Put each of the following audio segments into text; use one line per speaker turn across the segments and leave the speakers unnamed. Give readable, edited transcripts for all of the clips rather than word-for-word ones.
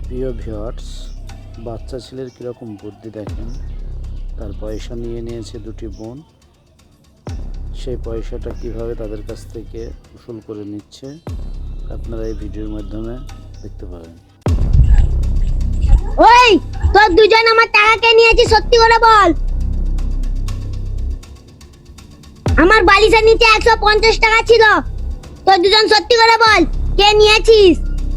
প্রিয় ভিউয়ার্স, বাচ্চা ছেলের কীরকম বুদ্ধি দেখেন। তার পয়সা নিয়ে নিয়েছে দুটি বোন। সেই পয়সাটা কিভাবে তাদের কাছ থেকে উসুল করে নিচ্ছে আপনারা এই ভিডিওর মাধ্যমে দেখতে পাবেন।
ওই তোর দুজন আমার টাকা কে নিয়েছিস, সত্যি করে বল। আমার বালিশের নিচে 150 টাকা ছিল, তোর দুজন সত্যি করে বল কে নিয়েছিস।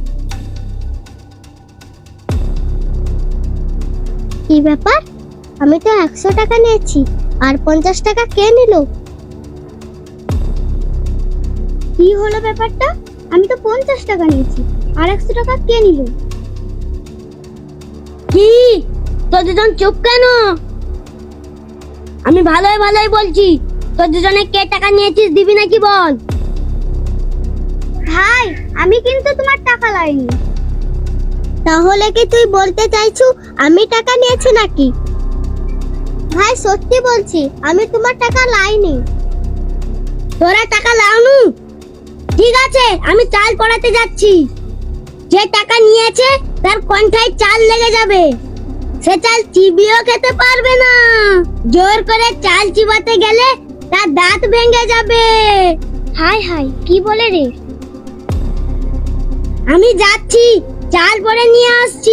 কি ব্যাপার, আমি তো 100 টাকা নিয়েছি আর 50 টাকা কে নিল? কি হলো ব্যাপারটা? আমি তো 50 টাকা নিয়েছি আর 100 টাকা কে নিল? কি তোর দুজন চুপ কেন? আমি ভালোই ভালোই বলছি, তোর দুজনে কে টাকা নিয়েছিস দিবি নাকি বল। ভাই আমি কিন্তু তোমার টাকা লাইনি। তাহলে কি তুই বলতে চাইছো আমি টাকা নিয়েছি নাকি? ভাই সত্যি বলছি, আমি তোমার টাকা লাইনি। তোরা টাকা লাওনি? ঠিক আছে, আমি চাল পড়াতে যাচ্ছি। যে টাকা নিয়েছে তার কণ্ঠায় চাল লেগে যাবে, সে চাল চিবিয়েও খেতে পারবে না। জোর করে চাল চিবাতে গেলে তার দাঁত ভেঙে যাবে। হাই হাই, কি বলে রে? আমি যাচ্ছি, চাল পড়ে নিয়ে আসছি।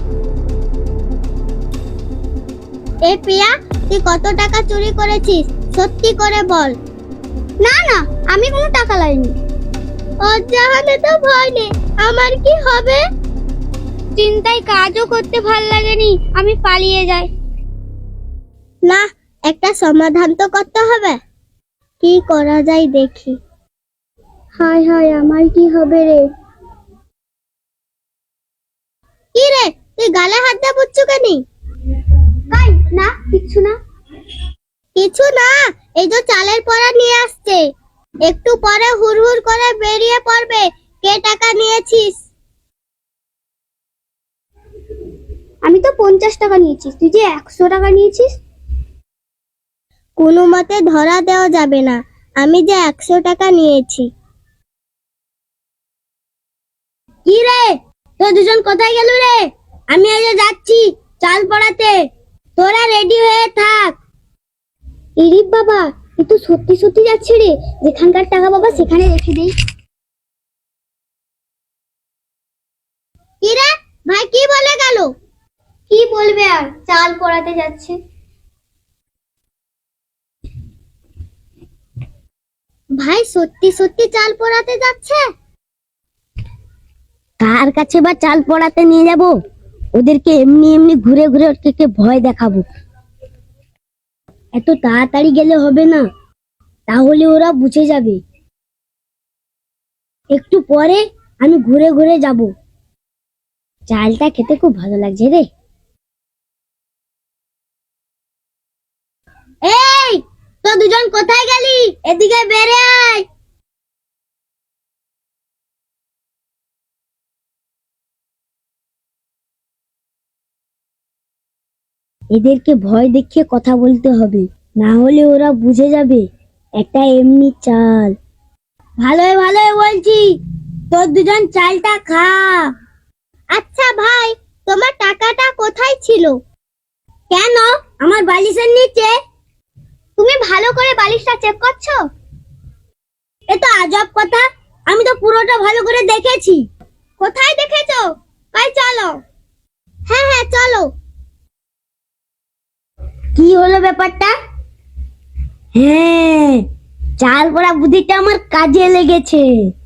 এ প্রিয়া, তুই কত টাকা চুরি করেছিস সত্যি করে বল। না না, আমি কোনো টাকা লাইনি। অজাহানে তো ভয় নেই, আমার কি হবে? চিন্তায় কাজও করতে ভাল লাগেনি, আমি পালিয়ে যাই। না, একটা সমাধান তো করতে হবে। কি করা যায় দেখি। হায় হায়, আমার কি হবে রে? কি রে, তুই গালে হাত দিয়ে বুঝছো কেন? কাই না, কিছু না। কিছু না, এই তো চালের পড়া নিয়ে আসছে। একটু পরে হুড়হুড় করে বেরিয়ে পড়বে কে টাকা নিয়েছিস। আমি তো 50 টাকা নিয়েছি, তুই যে 100 টাকা নিয়েছিস। কোনো মতে ধরা দেওয়া যাবে না আমি যে 100 টাকা নিয়েছি। কি রে, তোর দুজন কোথায় গেল রে? আমি আজ যাচ্ছি চাল পড়াতে, তোরা রেডি হয়ে থাক। ইরিপ বাবা, এ তো সত্যি সত্যি যাচ্ছে রে। যেখানকার টাকা বাবা সেখানে রেখে দেই। কি রে ভাই, কি বলে গেল? কি বলবে আর, চাল পড়াতে যাচ্ছে। ভাই সত্যি সত্যি চাল পড়াতে যাচ্ছে? কার কাছে বা চাল পড়াতে নিয়ে যাব? ওদেরকে এমনি এমনি ঘুরে ঘুরে ওদেরকে ভয় দেখাবো। এত তাড়াতাড়ি গেলে হবে না, তাহলে ওরা বুঝে যাবে। একটু পরে আমি ঘুরে ঘুরে যাব। চালটা খেতে খুব ভালো লাগছে রে। এই তো দুজন কোথায় গেলি? এদিকে বেরে আয়। এদেরকে ভয় দেখিয়ে কথা বলতে হবে, না হলে ওরা বুঝে যাবে একটা এমনি চাল। ভালোই ভালোই বলছি, তোর দুজন চালটা খা। আচ্ছা ভাই, তোমার টাকাটা কোথায় ছিল? কেন, আমার বালিশের নিচে। তুমি ভালো করে বালিশটা চেক করছো? এ তো আজব কথা, আমি তো পুরোটা ভালো করে দেখেছি। কোথায় দেখেছো? ভাই চলো। হ্যাঁ হ্যাঁ চলো। কি হলো ব্যাপারটা? হ্যাঁ, চাল পড়া বুদ্ধিটা আমার কাজে লেগেছে।